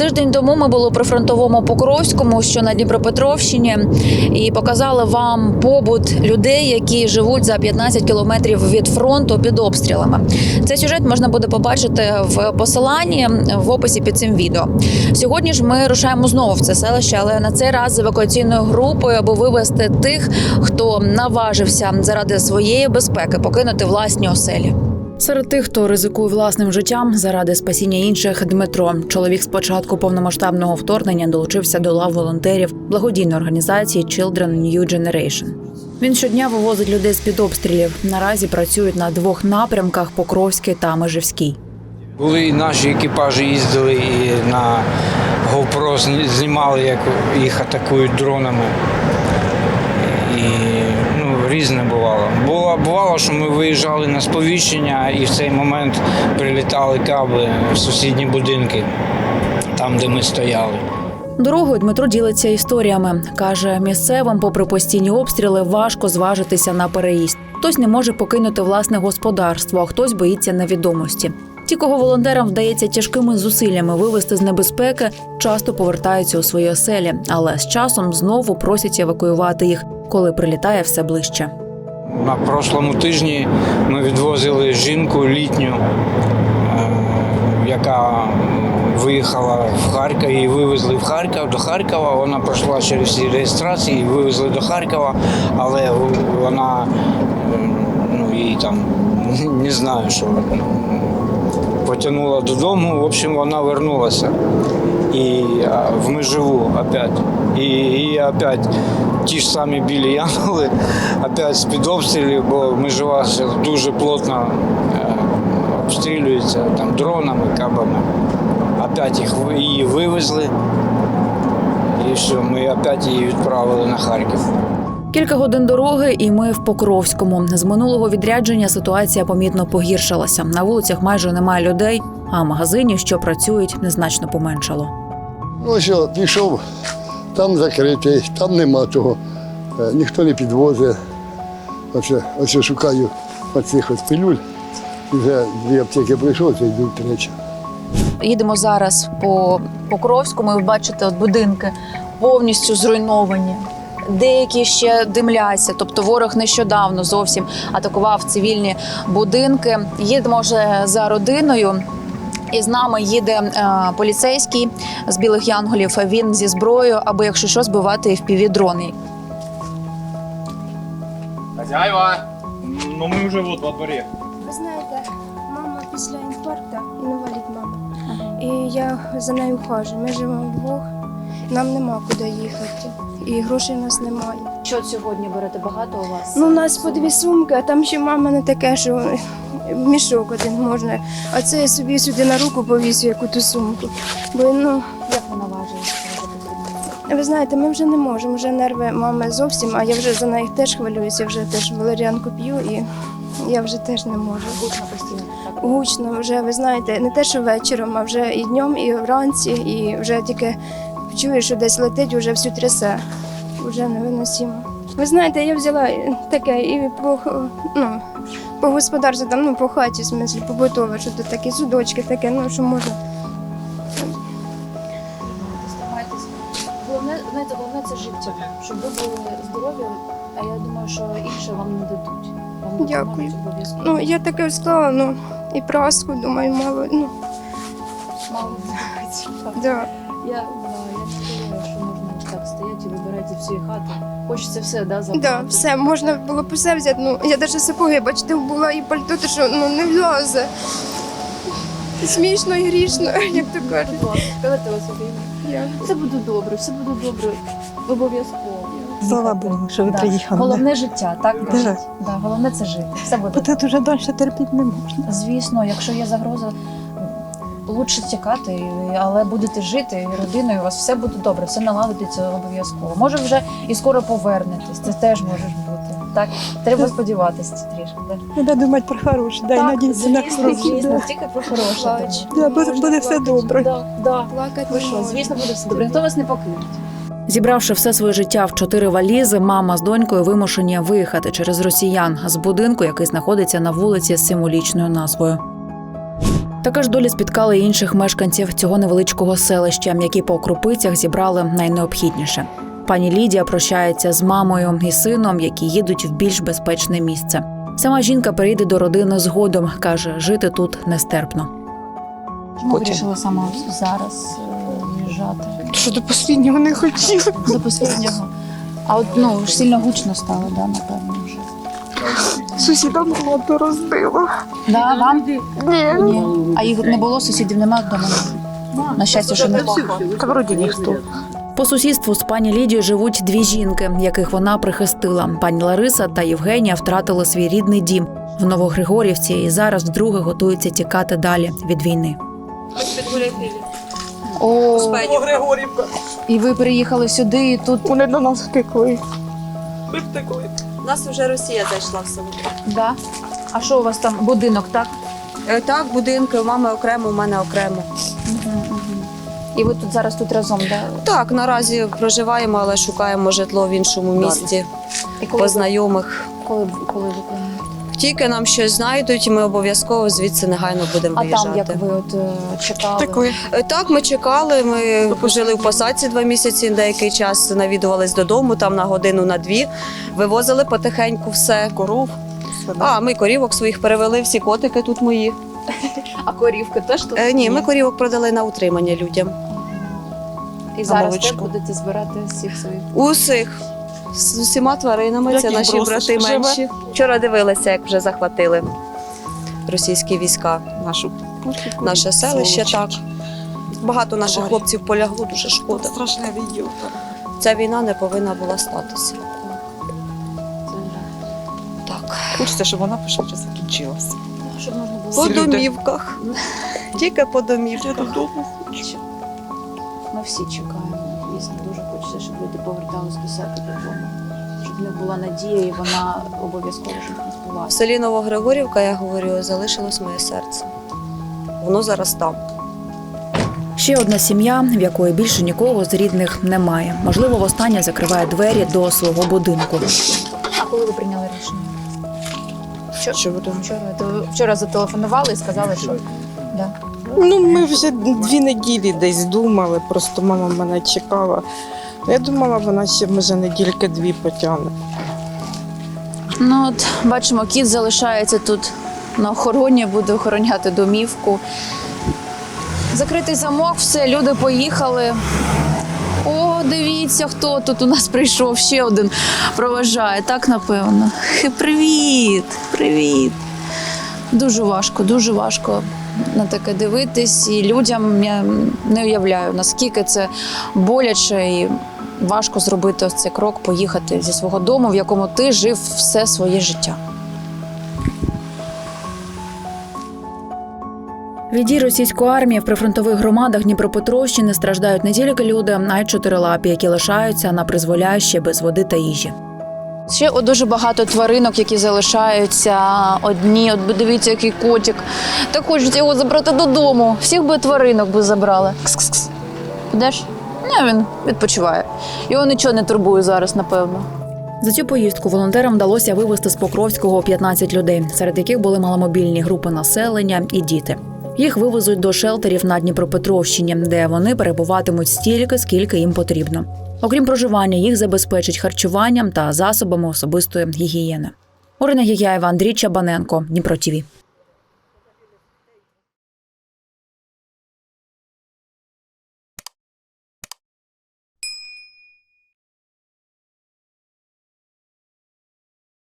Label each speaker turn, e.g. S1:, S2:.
S1: Тиждень тому ми були у прифронтовому Покровському, що на Дніпропетровщині, і показали вам побут людей, які живуть за 15 кілометрів від фронту під обстрілами. Цей сюжет можна буде побачити в посиланні в описі під цим відео. Сьогодні ж ми рушаємо знову в це селище, але на цей раз з евакуаційною групою, аби вивезти тих, хто наважився заради своєї безпеки покинути власні оселі. Серед тих, хто ризикує власним життям заради спасіння інших, Дмитро. Чоловік з початку повномасштабного вторгнення долучився до лав волонтерів благодійної організації Children New Generation. Він щодня вивозить людей з-під обстрілів. Наразі працюють на 2 напрямках – Покровський та Межівський.
S2: Були і наші екіпажі, їздили і на GoPro знімали, як їх атакують дронами. І різне бувало. Бувало, що ми виїжджали на сповіщення і в цей момент прилітали каби в сусідні будинки, там, де ми стояли.
S1: Дорогою Дмитро ділиться історіями. Каже, місцевим, попри постійні обстріли, важко зважитися на переїзд. Хтось не може покинути власне господарство, а хтось боїться невідомості. Ті, кого волонтерам вдається тяжкими зусиллями вивести з небезпеки, часто повертаються у свої оселі, але з часом знову просять евакуювати їх, коли прилітає все ближче.
S2: На прошлому тижні ми відвозили жінку літню, яка виїхала в Харків, її вивезли в Харків, до Харкова. Вона пройшла через всі реєстрації, її вивезли до Харкова, але вона, її там, не знаю, що потягнула додому, в общем, вона вернулася. І в Меживу опять. І опять ті ж самі білі янголи, опять з-під обстрілів, бо Межива дуже плотно обстрілюється там дронами, кабами. Опять її вивезли, і все, ми опять її відправили на Харків.
S1: Кілька годин дороги, і ми в Покровському. З минулого відрядження ситуація помітно погіршилася. На вулицях майже немає людей, а магазинів, що працюють, незначно поменшало.
S3: Що, пішов, там закритий, там нема того, ніхто не підвозить. Ось шукаю оцих пилюль. Вже 2 аптеки прийшов, це йдуть 3.
S1: Їдемо зараз по Покровському, і ви бачите, будинки повністю зруйновані. Деякі ще димляться, тобто ворог нещодавно зовсім атакував цивільні будинки. Їдемо вже за родиною, і з нами їде поліцейський з Білих Янголів. Він зі зброєю, аби, якщо що, збивати FPV-дрони.
S4: Хозяева, мы уже вот во дворе.
S5: Ви знаєте, мама після інфаркту, інвалід мама. І я за нею ухожу. Ми живемо вдвох, нам нема куди їхати. І грошей у нас немає.
S1: Що сьогодні берете? Багато у вас?
S5: У нас по 2 сумки, а там ще мама не таке, що мішок один можна. А це я собі сюди на руку повісю, яку ту сумку. Бо,
S1: Як вона важить?
S5: ви знаєте, ми вже не можемо, вже нерви мами зовсім, а я вже за неї теж хвилююся, я вже теж валеріанку п'ю і я вже теж не можу.
S1: Гучно постійно.
S5: Гучно вже, ви знаєте, не те, що вечором, а вже і днем, і вранці, і вже тільки чуєш, що десь летить, вже всю трясе. Вже невиносимо. Ви знаєте, я взяла таке і по господарству, там, по хаті, в смислі, побутове, що тут такі судочки, таке, що можна.
S1: Головне це життя, щоб ви були здорові, а я думаю, що інше вам не дадуть. Вам
S5: Дякую.
S1: допоможуть обов'язково.
S5: Я таке склала, і праску, думаю, мало,
S1: Мало
S5: да.
S1: Я не думаю, що можна так стояти і вибирати всі хати. Хочеться все, забрати.
S5: Да, все, можна було б усе взяти, я навіть сапоги, бачите, була і пальто, то що, не влазе. Смішно і грішно, як то кажуть.
S1: Давайте вас обіймемо. Все буде добре, все буде добре. Обов'язково.
S6: Слава Богу, що ви приїхали.
S1: Головне життя, так?
S6: Да.
S1: Кажуть? Да, головне це жити. Все буде.
S6: Бо тут вже далі терпіти не можна.
S1: Звісно, якщо є загроза, лучше тікати, але будете жити і родиною, у вас все буде добре, все наладиться обов'язково. Може вже і скоро повернетесь, це теж може бути. Так, треба сподіватися трішки. Да?
S6: Треба думати про хороше, дай надіятися на хороше.
S1: Звісно, тільки про хороше.
S5: Плач.
S6: Да, буде все добре.
S1: Да.
S5: Плакати
S1: Ви
S5: не
S1: що,
S5: можна.
S1: звісно, буде все добре. Ніхто вас не покинуть. Зібравши все своє життя в 4 валізи, мама з донькою вимушені виїхати через росіян з будинку, який знаходиться на вулиці з символічною назвою. Така ж доля спіткала і інших мешканців цього невеличкого селища, які по крупицях зібрали найнеобхідніше. Пані Лідія прощається з мамою і сином, які їдуть в більш безпечне місце. Сама жінка перейде до родини згодом, каже, жити тут нестерпно. Чому вирішила саме зараз в'їжджати?
S7: Що до останнього не хотіла.
S1: До останнього. А от сильно гучно стало, да, напевно, вже.
S7: Сусідам хату розбила.
S1: Да, вам?
S7: Ні.
S1: А їх не було, сусідів немає вдома? На щастя, що не
S7: Та вроді ніхто.
S1: По сусідству з пані Лідією живуть дві жінки, яких вона прихистила. Пані Лариса та Євгенія втратили свій рідний дім в Новогригорівці і зараз вдруге готуються тікати далі від війни. О,
S7: Григорівка.
S1: і ви приїхали сюди, і тут...
S7: Вони до нас втекли. Ми втекли.
S8: У нас вже Росія зайшла в село.
S1: Да? А що у вас там? Будинок, так?
S8: Так, будинки, у мами окремо, у мене окремо.
S1: І ви тут зараз разом, да?
S8: Так, наразі проживаємо, але шукаємо житло в іншому місті,
S1: І
S8: по знайомих.
S1: коли ви плануєте?
S8: Тільки нам щось знайдуть, і ми обов'язково звідси негайно будемо
S1: А
S8: виїжджати.
S1: там, як ви чекали?
S7: Втекли.
S8: Так, ми чекали, ми жили в посадці 2 місяці, деякий час навідувались додому, там на годину, на 2, вивозили потихеньку все.
S7: Коров.
S8: А, ми корівок своїх перевели, всі котики тут мої.
S1: А корівки теж тут?
S8: Ні, ми корівок продали на утримання людям.
S1: І зараз
S8: молочко.
S1: теж будете збирати всіх своїх?
S8: Усіх. З усіма тваринами,
S7: Як
S8: це
S7: їх
S8: наші
S7: бросиш?
S8: брати
S7: Живе?
S8: менші. Вчора дивилися, як вже захватили російські війська. Наше селище, так. Багато наших
S7: Тварі.
S8: хлопців полягло, дуже шкода.
S7: Страшне відео.
S8: Ця війна не повинна була статися. Так.
S7: Хочеться, щоб вона пошвидше закінчилася.
S1: Щоб можна було...
S8: По
S7: Всі люди.
S8: домівках. Тільки по
S7: Я
S8: домівках.
S7: додому.
S1: Ми всі чекаємо. Дійсно, дуже хочеться, щоб люди повертались до себе додому. Щоб в них була надія, і вона обов'язково щоб не
S8: В
S1: збулася.
S8: селі Новогригорівка, я говорю, залишилось моє серце. Воно зараз там.
S1: Ще одна сім'я, в якої більше нікого з рідних немає. Можливо, востаннє закриває двері до свого будинку. А коли ви прийняли рішення? Вчора зателефонували і сказали, що... Да.
S9: Ну, ми вже 2 неділі десь думали, просто мама мене чекала. Я думала, вона ще, може, недільки 2 потягне.
S1: Ну от, бачимо, кіт залишається тут на охороні, буде охороняти домівку. Закритий замок, все, люди поїхали. О, дивіться, хто тут у нас прийшов, ще один проважає, так напевно. Привіт, привіт. Дуже важко на таке дивитись. І людям я не уявляю, наскільки це боляче і важко зробити ось цей крок, поїхати зі свого дому, в якому ти жив все своє життя. Від дій російської армії в прифронтових громадах Дніпропетровщини страждають не тільки люди, а й чотирилапі, які лишаються на призволяще без води та їжі. Ще дуже багато тваринок, які залишаються одні. От дивіться, який котик. Так хочуть його забрати додому. Всіх би тваринок би забрали. Кс-кс-кс. Підеш? Ні, він відпочиває. Його нічого не турбує зараз, напевно. За цю поїздку волонтерам вдалося вивезти з Покровського 15 людей, серед яких були маломобільні групи населення і діти. Їх вивезуть до шелтерів на Дніпропетровщині, де вони перебуватимуть стільки, скільки їм потрібно. Окрім проживання, їх забезпечать харчуванням та засобами особистої гігієни. Орина Гігяєва, Андрій Чабаненко, Дніпро ТІВІ.